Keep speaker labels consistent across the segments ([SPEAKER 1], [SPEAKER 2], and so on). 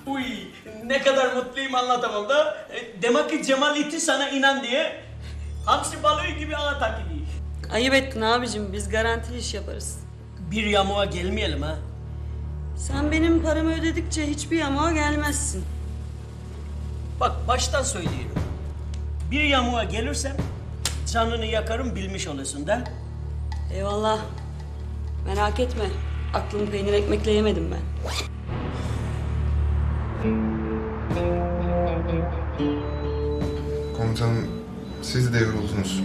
[SPEAKER 1] Uy, ne kadar mutluyum anlatamam da. Demek ki Cemal itti sana inan diye. Hamsi balığı gibi ağa takibi.
[SPEAKER 2] Ayıp ettin abicim, biz garantili iş yaparız.
[SPEAKER 1] Bir yamuğa gelmeyelim ha.
[SPEAKER 2] Sen benim paramı ödedikçe hiçbir yamuğa gelmezsin.
[SPEAKER 1] Bak baştan söylüyorum. Bir yamuğa gelirsem canını yakarım bilmiş olasın da.
[SPEAKER 2] Eyvallah. Merak etme. Aklımı peynir ekmekle yemedim ben.
[SPEAKER 3] Komutanım, siz de yoruldunuz.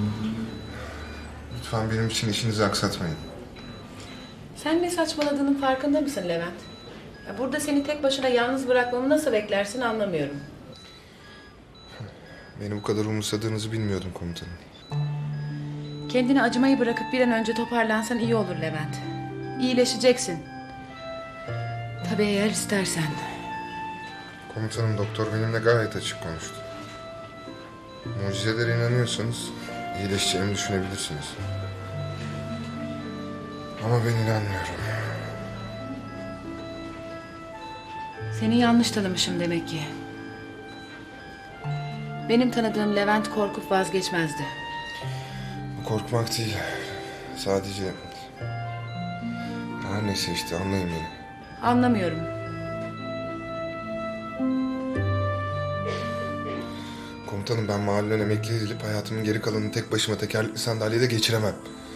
[SPEAKER 3] Lütfen benim için işinizi aksatmayın.
[SPEAKER 4] Sen ne saçmaladığının farkında mısın Levent? Ya burada seni tek başına yalnız bırakmamı nasıl beklersin anlamıyorum.
[SPEAKER 3] Beni bu kadar umursadığınızı bilmiyordum komutanım.
[SPEAKER 4] Kendini acımayı bırakıp bir an önce toparlansan iyi olur Levent. İyileşeceksin. Tabii eğer istersen.
[SPEAKER 3] Komutanım, doktor benimle gayet açık konuştu. Mucizelere inanıyorsanız iyileşeceğimi düşünebilirsiniz. Ama ben inanmıyorum.
[SPEAKER 4] Seni yanlış tanımışım demek ki. Benim tanıdığım Levent korkup vazgeçmezdi.
[SPEAKER 3] Bu korkmak değil. Sadece... Her neyse işte, anlayın beni.
[SPEAKER 4] Anlamıyorum.
[SPEAKER 3] Komutanım, ben mahalleden emekli edilip hayatımın geri kalanını tek başıma tekerlekli sandalyede geçiremem.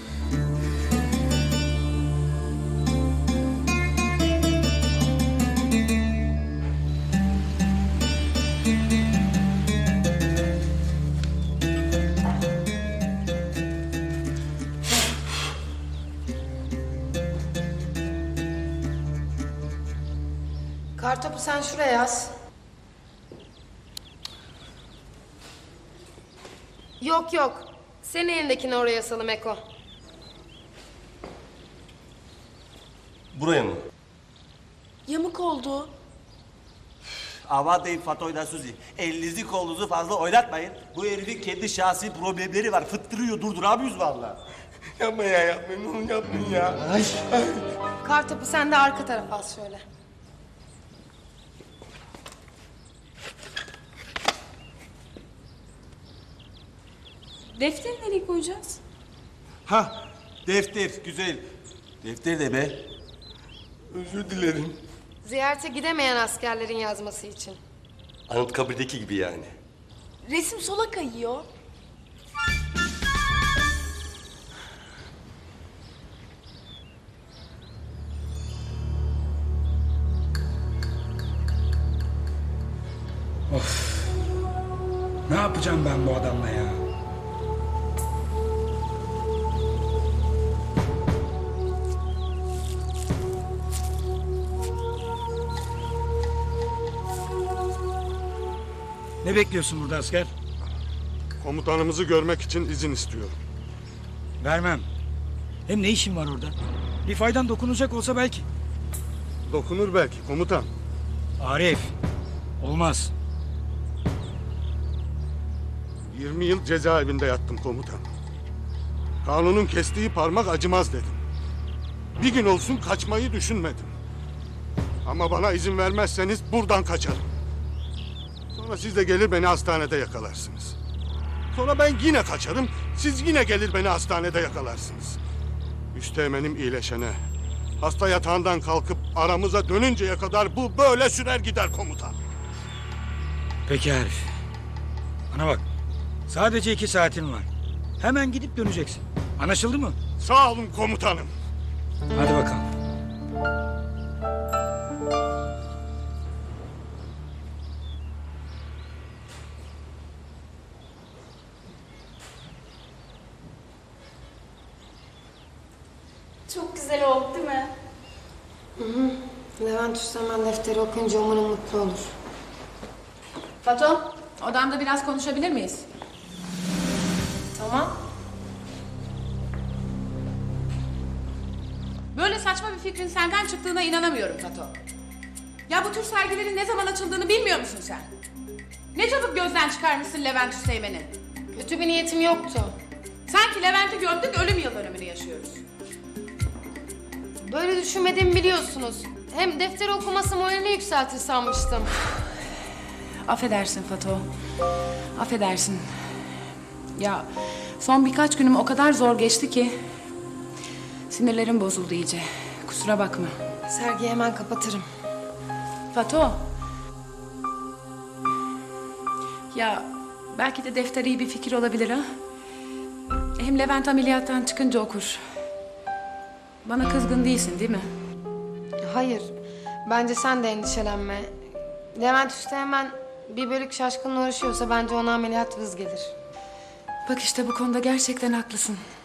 [SPEAKER 5] Kartopu sen şuraya yaz. Yok yok. Senin elindekini oraya asalım Eko.
[SPEAKER 6] Buraya mı?
[SPEAKER 5] Yamuk oldu.
[SPEAKER 6] Aman deyin Fatoy'da Suzi. Elinizi kolunuzu fazla oynatmayın. Bu herifin kendi şahsi problemleri var. Fıttırıyor, durduramıyoruz vallahi. Yapma ya, yapmayın. Onu yapmayın ya. Ay.
[SPEAKER 5] Kartopu sen de arka tarafa as şöyle.
[SPEAKER 7] Defteri nereye koyacağız?
[SPEAKER 6] Ha, defter, güzel. Defter de be. Özür dilerim.
[SPEAKER 5] Ziyarete gidemeyen askerlerin yazması için.
[SPEAKER 6] Anıtkabir'deki gibi yani.
[SPEAKER 7] Resim sola kayıyor.
[SPEAKER 8] Ne yapacağım ben bu adamla ya? Ne bekliyorsun burada asker?
[SPEAKER 9] Komutanımızı görmek için izin istiyorum.
[SPEAKER 8] Vermem. Hem ne işin var orada? Bir faydan dokunacak olsa belki.
[SPEAKER 9] Dokunur belki komutan.
[SPEAKER 8] Arif. Olmaz.
[SPEAKER 9] 20 yıl cezaevinde yattım komutan. Kanunun kestiği parmak acımaz dedim. Bir gün olsun kaçmayı düşünmedim. Ama bana izin vermezseniz buradan kaçarım. Sonra siz de gelir beni hastanede yakalarsınız. Sonra ben yine kaçarım, siz yine gelir beni hastanede yakalarsınız. Üsteğmenim iyileşene, hasta yatağından kalkıp aramıza dönünceye kadar bu böyle sürer gider komutan.
[SPEAKER 8] Peki Arif. Bana bak. Sadece 2 saatin var. Hemen gidip döneceksin. Anlaşıldı mı?
[SPEAKER 9] Sağ olun komutanım.
[SPEAKER 8] Hadi bakalım.
[SPEAKER 7] Çok güzel oldu değil mi?
[SPEAKER 5] Levent Üsteğmen defteri okuyunca umarım mutlu olur.
[SPEAKER 4] Fato, odamda biraz konuşabilir miyiz?
[SPEAKER 5] Tamam.
[SPEAKER 4] Böyle saçma bir fikrin senden çıktığına inanamıyorum Fato. Ya bu tür sergilerin ne zaman açıldığını bilmiyor musun sen? Ne çabuk gözden çıkarmışsın Levent Üsteğmen'i.
[SPEAKER 5] Kötü bir niyetim yoktu.
[SPEAKER 4] Sanki Levent'i gömdük, ölüm yıl dönümünü yaşıyoruz.
[SPEAKER 5] Böyle düşünmediğimi biliyorsunuz. Hem defter okuması moralini yükseltir sanmıştım.
[SPEAKER 4] Affedersin Fato. Affedersin. Ya son birkaç günüm o kadar zor geçti ki sinirlerim bozuldu iyice. Kusura bakma.
[SPEAKER 5] Sergiyi hemen kapatırım.
[SPEAKER 4] Fato. Ya belki de defter iyi bir fikir olabilir ha. Hem Levent ameliyattan çıkınca okur. Bana kızgın değilsin değil mi?
[SPEAKER 5] Hayır. Bence sen de endişelenme. Levent Üste hemen bir bölük şaşkınla uğraşıyorsa bence ona ameliyat vız gelir.
[SPEAKER 4] Bak işte bu konuda gerçekten haklısın.